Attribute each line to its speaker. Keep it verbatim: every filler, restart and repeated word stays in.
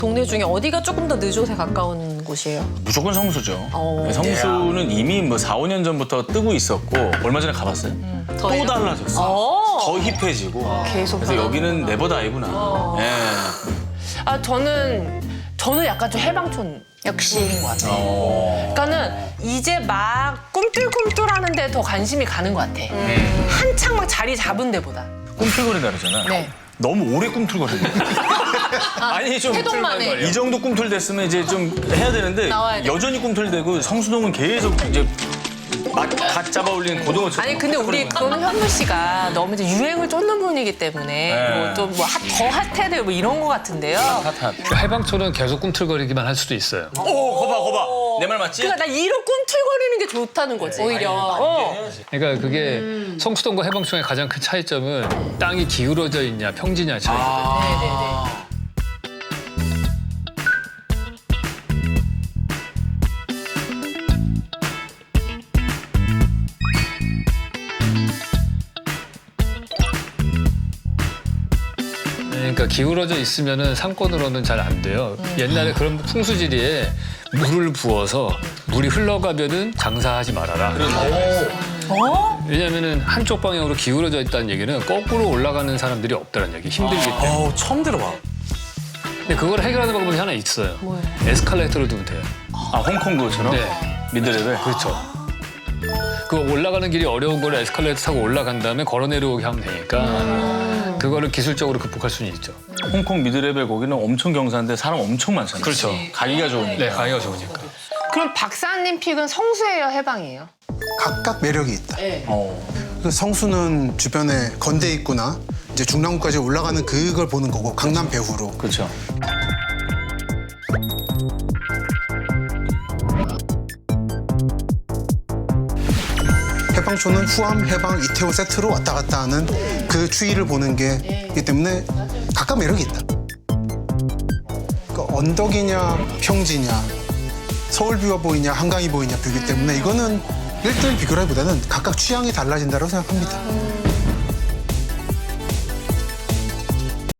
Speaker 1: 동네 중에 어디가 조금 더 느조세 가까운 곳이에요?
Speaker 2: 무조건 성수죠.
Speaker 1: 어.
Speaker 2: 성수는 이미 뭐 사, 오 년 전부터 뜨고 있었고 얼마 전에 가봤어요?
Speaker 1: 음.
Speaker 2: 또
Speaker 1: 더해요?
Speaker 2: 달라졌어.
Speaker 1: 어.
Speaker 2: 더 힙해지고.
Speaker 3: 계속
Speaker 2: 그래서 여기는 네버다이구나.
Speaker 1: 어.
Speaker 2: 예.
Speaker 3: 아 저는 저는 약간 좀 해방촌 역시인 것 같아요.
Speaker 2: 어.
Speaker 3: 그러니까는 이제 막 꿈틀꿈틀하는데 더 관심이 가는 것 같아.
Speaker 2: 음.
Speaker 3: 한창 막 자리 잡은 데보다.
Speaker 2: 꿈틀거린다 그러잖아.
Speaker 3: 네.
Speaker 2: 너무 오래 꿈틀거리네. 아니 좀
Speaker 1: 해동만 해.
Speaker 2: 이 정도 꿈틀댔으면 이제 좀 해야 되는데
Speaker 1: 나와야 돼.
Speaker 2: 여전히 꿈틀대고 성수동은 계속 이제 맛갓 잡아 올리는 고등어처럼.
Speaker 3: 아니 근데 우리 그거는 현무 씨가 너무 이제 유행을 쫓는 분이기 때문에
Speaker 2: 네.
Speaker 3: 뭐 좀 뭐 더 핫해야 돼요 뭐 이런 거 같은데요.
Speaker 2: 핫핫.
Speaker 4: 해방촌은 계속 꿈틀거리기만 할 수도 있어요.
Speaker 2: 오, 거봐, 거봐. 내 말 맞지?
Speaker 3: 그러니까 나 이런 꿈틀거리는 게 좋다는 거지. 오히려. 어.
Speaker 4: 그러니까 그게 성수동과 해방촌의 가장 큰 차이점은 땅이 기울어져 있냐 평지냐 차이거든요. 그러니까 기울어져 있으면은 상권으로는 잘 안 돼요. 옛날에 그런 풍수지리에 물을 부어서 물이 흘러가면은 장사하지 말아라. 왜냐면은 한쪽 방향으로 기울어져 있다는 얘기는 거꾸로 올라가는 사람들이 없다는 얘기. 힘들기 때문에.
Speaker 2: 어우, 처음 들어봐.
Speaker 4: 근데 그걸 해결하는 방법이 하나 있어요. 에스컬레이터를 두면 돼요.
Speaker 2: 아, 홍콩 그것처럼?
Speaker 4: 네.
Speaker 2: 미드레벨?
Speaker 4: 그렇죠. 그 올라가는 길이 어려운 거를 에스컬레이터 타고 올라간 다음에 걸어 내려오게 하면 되니까 그거를 기술적으로 극복할 수는 있죠.
Speaker 2: 홍콩 미드레벨 거기는 엄청 경사인데 사람 엄청 많잖아요.
Speaker 4: 그렇죠.
Speaker 2: 가기가 좋으니까.
Speaker 4: 네, 가기가 좋으니까.
Speaker 3: 그럼 박사님 픽은 성수예요, 해방이에요?
Speaker 5: 각각 매력이 있다.
Speaker 2: 어.
Speaker 5: 그 성수는 주변에 건대 있구나 이제 중랑구까지 올라가는 그걸 보는 거고 강남 배후로.
Speaker 2: 그렇죠.
Speaker 5: 해방촌은 후암, 해방, 이태원 세트로 왔다 갔다 하는 그 추이를 보는 게이기 때문에 각각 매력이 있다. 그러니까 언덕이냐 평지냐 서울뷰가 보이냐 한강이 보이냐 뷰기 때문에 이거는 일 대 일 비교라기보다는 각각 취향이 달라진다고 생각합니다.